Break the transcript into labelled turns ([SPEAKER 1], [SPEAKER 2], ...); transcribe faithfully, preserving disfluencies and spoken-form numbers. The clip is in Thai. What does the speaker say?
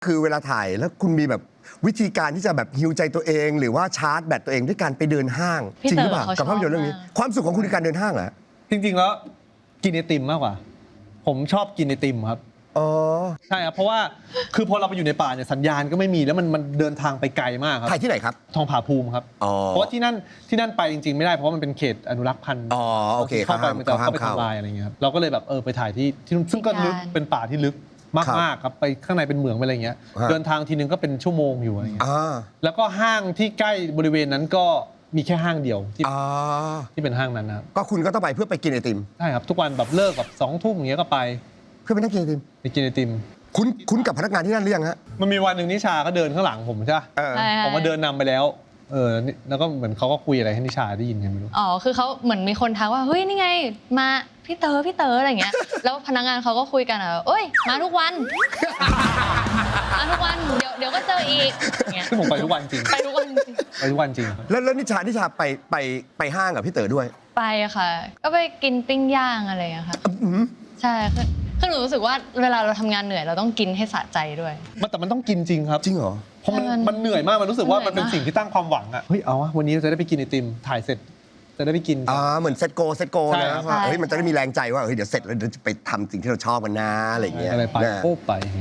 [SPEAKER 1] คือเวลาถ่ายแล้วคุณมีแบบวิธีการที่จะแบบฮิวใจตัวเอง หรือว่าชาร์จแบตตัวเองด้วยการไปเดินห้าง
[SPEAKER 2] พี่
[SPEAKER 1] จริงหรือเปล่า
[SPEAKER 2] เต๋อเขา
[SPEAKER 1] กับภาพยนตร์เรื่องนี้
[SPEAKER 2] ชอบมาก
[SPEAKER 1] ความสุขของคุณคือการเดินห้างเหรอ
[SPEAKER 3] จริงๆแล้วกินไอติมมากกว่า ผมชอบกินไอติมครับ
[SPEAKER 1] อ๋อ
[SPEAKER 3] ใช่ครับเพราะว่าคือพอเราไปอยู่ในป่าเนี่ยสัญญาณก็ไม่มีแล้วมันมันเดินทางไปไกลมากครับ
[SPEAKER 1] ถ่ายที่ไหนครับ
[SPEAKER 3] ทองผาภูมิครับ
[SPEAKER 1] อ๋อ
[SPEAKER 3] เพราะว่าที่นั่นที่นั่นไปจริงๆไม่ได้เพราะว่ามันเป็นเขตอนุรักษ์พันธุ์
[SPEAKER 1] อ๋อโอเค
[SPEAKER 3] เข้าไป
[SPEAKER 1] เขาห้าม
[SPEAKER 3] มันจะ
[SPEAKER 1] เขาห้าม
[SPEAKER 3] เข้าไป
[SPEAKER 1] เข้า
[SPEAKER 3] ทำลายอะไรอย่างเงี้ยครับเราก็เลยแบบเออไปถ่ายที่ที่นู่นซึ่งก็ลึก
[SPEAKER 2] อุทยาน
[SPEAKER 3] เป็นป่าที่ลึกมากๆครับไปข้างในเป็นเหมืองไปอะไรเงี้ย
[SPEAKER 1] ฮะ
[SPEAKER 3] เดินทางทีนึงก็เป็นชั่วโมงอยู่อะไรเงี้ย
[SPEAKER 1] อ่า
[SPEAKER 3] แล้วก็ห้างที่ใกล้บริเวณนั้นก็มีแค่ห้างเดียวที่
[SPEAKER 1] อ่า
[SPEAKER 3] ที่เป็นห้างนั้นนะครับ
[SPEAKER 1] ก็คุณก็ต้องไปเพื่อไปกินไอติม
[SPEAKER 3] ใช่ครับทุกวันแบบเลิกแบบสองทุ่มอย่างเงี้ยก็ไป
[SPEAKER 1] เพื่อไปนั่งกินไอติม
[SPEAKER 3] ไปกินไอติม
[SPEAKER 1] คุณคุณกับพนักงานที่นั่นหรือยังฮะ
[SPEAKER 3] มันมีวันหนึ่งนิชาก็เดินข้างหลังผมใช่ปะ
[SPEAKER 1] เออ
[SPEAKER 2] ใช่
[SPEAKER 3] ผมมาเดินนำไปแล้ว เออนี่แล้วก็เหมือนเขาก็คุยอะไรให้นิชาได้ยินกันไม่รู้
[SPEAKER 2] อ๋อคือเขาเหมือนมีคนทักว่าเฮ้ยนี่ไงมาพี่เต๋อพี่เต๋ออะไรอย่างเงี้ย แล้วพนักงานเขาก็คุยกันอ่ะเอ้ยมาทุกวัน มาทุกวันเดี๋ยวเดี๋ยวก็เจออีกอย่างเงี้ย
[SPEAKER 3] ซึ่งผมไปทุกวันจริง
[SPEAKER 2] ไปทุกวันจริง
[SPEAKER 3] ไปทุกวันจริงครับ
[SPEAKER 1] แล้วแล้วนิชานิชาไปไปไปห้างกับพี่เต๋อด้วย
[SPEAKER 2] ไปอะค่ะ ก็ไปกินปิ้งย่างอะไรอย่างเงี้ยค่ะ
[SPEAKER 1] อื้อหือ
[SPEAKER 2] ใช่คือคือหนูรู้สึกว่าเวลาเราทำงานเหนื่อยเราต้องกินให้สะใจด้วย
[SPEAKER 3] มันแต่มันต้องกินจริงครับ
[SPEAKER 1] จริงเหรอ
[SPEAKER 3] เพราะมัน
[SPEAKER 2] ใช่มัน
[SPEAKER 3] มันเหนื่อยมากมันรู้สึกว่า
[SPEAKER 2] เหนื่
[SPEAKER 3] มัน
[SPEAKER 2] อย
[SPEAKER 3] เป็น
[SPEAKER 2] มาก
[SPEAKER 3] สิ่งที่ตั้งความหวังอะเฮ้ยเอาวะวันนี้เราจะได้ไปกินไอติมถ่ายเสร็จจะได้ไปกิน
[SPEAKER 1] อ่าเหมือนเซตโกเซตโก
[SPEAKER 3] ใช่
[SPEAKER 1] นะครับ ว่าเฮ้ยมันจะได้มีแรงใจว่าเฮ้ยเดี๋ยวเสร็จแล้วเดี๋ยวจะไปทำสิ่งที่เราชอบกันนะอะไรอย่างเงี้ย
[SPEAKER 3] อะไรไป
[SPEAKER 1] นะ
[SPEAKER 3] โอ้ไป